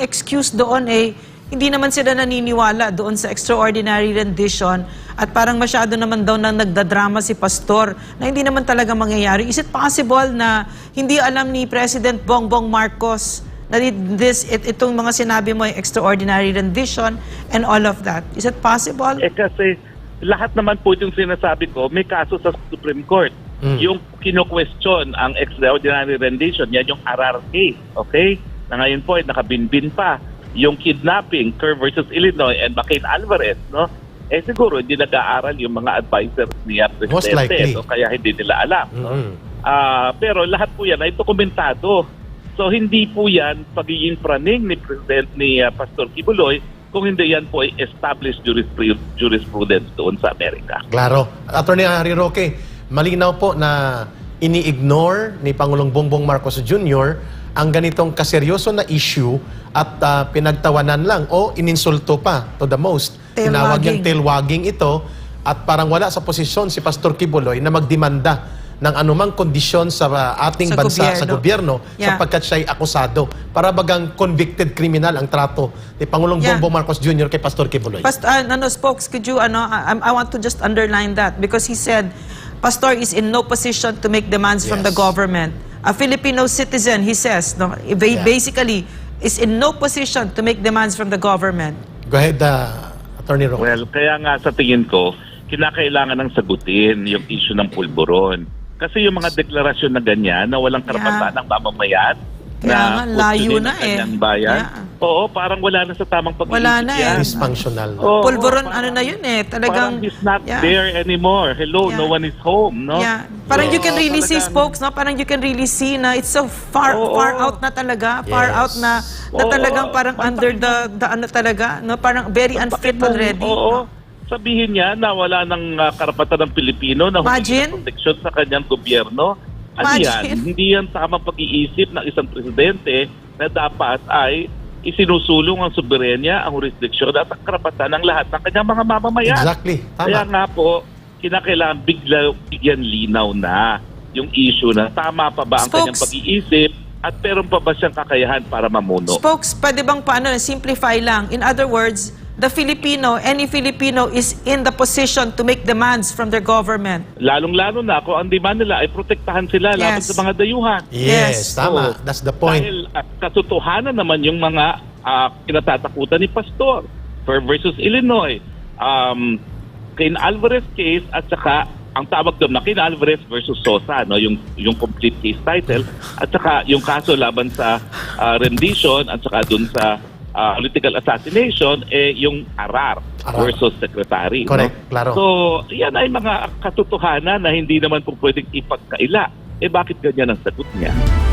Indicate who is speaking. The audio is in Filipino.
Speaker 1: excuse doon hindi naman sila naniniwala doon sa extraordinary rendition at parang masyado naman daw nang nagdadrama si Pastor na hindi naman talaga mangyayari. Is it possible na hindi alam ni President Bongbong Marcos na itong mga sinabi mo, extraordinary rendition and all of that? Is it possible?
Speaker 2: Kasi lahat naman po yung sinasabi ko, may kaso sa Supreme Court. Yung kino-question ang extraordinary rendition, yan yung RR case, okay? Na ngayon po ay nakabinbin pa. Yung kidnapping, Kerr versus Illinois and McCain Alvarez, no? Siguro hindi nag-aaral yung mga advisors niya Presidente.
Speaker 3: Most likely.
Speaker 2: No? Kaya hindi nila alam. No? Pero lahat po yan ay dokumentado. So hindi po yan pagiging praning ni Pastor Kibuloy kung hindi yan po ay established jurisprudence doon sa Amerika.
Speaker 3: Klaro. Attorney Harry Roque, malinaw po na ini-ignore ni Pangulong Bongbong Marcos Jr. ang ganitong kaseryoso na issue at pinagtawanan lang o ininsulto pa to the most. Tinawag niyang tailwagging ito at parang wala sa posisyon si Pastor Kibuloy na magdemanda ng anumang kondisyon sa ating bansa, sa gobyerno, sapagkat siya'y akusado. Para bagang convicted criminal ang trato ni Pangulong Bongbong Marcos Jr. kay Pastor Kibuloy.
Speaker 1: Spokes, could you, I want to just underline that because he said, Pastor is in no position to make demands from the government. A Filipino citizen, he says, basically, is in no position to make demands from the government.
Speaker 3: Go ahead, Attorney Roque.
Speaker 2: Well, kaya nga sa tingin ko, kinakailangan ng sagutin yung issue ng pulburon. Kasi yung mga deklarasyon na ganyan, na walang karapatan ng mamamayan, na
Speaker 1: layo na
Speaker 2: bayan, oo, parang wala na sa tamang pag-iisip.
Speaker 1: Wala na
Speaker 2: yan.
Speaker 3: Dysfunctional.
Speaker 1: Pulburon, na yun talagang...
Speaker 2: Parang he's not there anymore. Hello, no one is home, no?
Speaker 1: Parang you can really see, Spokes, no? Parang you can really see na it's so far out na talaga. Far out na talagang parang under the ano talaga, no? Parang very unfit already.
Speaker 2: Oo. Sabihin niya na wala ng karapatan ng Pilipino na humingi ng proteksyon sa kanyang gobyerno. Ano yan? Hindi yan tamang pag-iisip ng isang presidente na dapat ay isinusulong ang soberenya, ang jurisdiksyon at ang karapatan ng lahat ng kanyang mga mamamayan.
Speaker 3: Exactly. Tama.
Speaker 2: Kaya nga po, kinakailangan bigyan linaw na yung issue na tama pa ba ang kanyang pag-iisip at meron pa ba siyang kakayahan para mamuno.
Speaker 1: Spokes, pwede bang simplify lang? In other words, any Filipino is in the position to make demands from their government.
Speaker 2: Lalong-lalo na kung ang demand nila ay protektahan sila laban sa mga dayuhan.
Speaker 3: Yes, tama. That's the point.
Speaker 2: Dahil katotohanan naman yung mga kinatatakutan ni Pastor versus Illinois. Cain Alvarez case at saka ang tawag doon na Cain Alvarez versus Sosa, no, yung complete case title at saka yung kaso laban sa rendition at saka doon sa political assassination, yung Arar versus Secretary.
Speaker 3: Correct,
Speaker 2: no?
Speaker 3: klaro.
Speaker 2: So, yan ay mga katotohanan na hindi naman po pwedeng ipagkaila. Bakit ganyan ang sagot niya?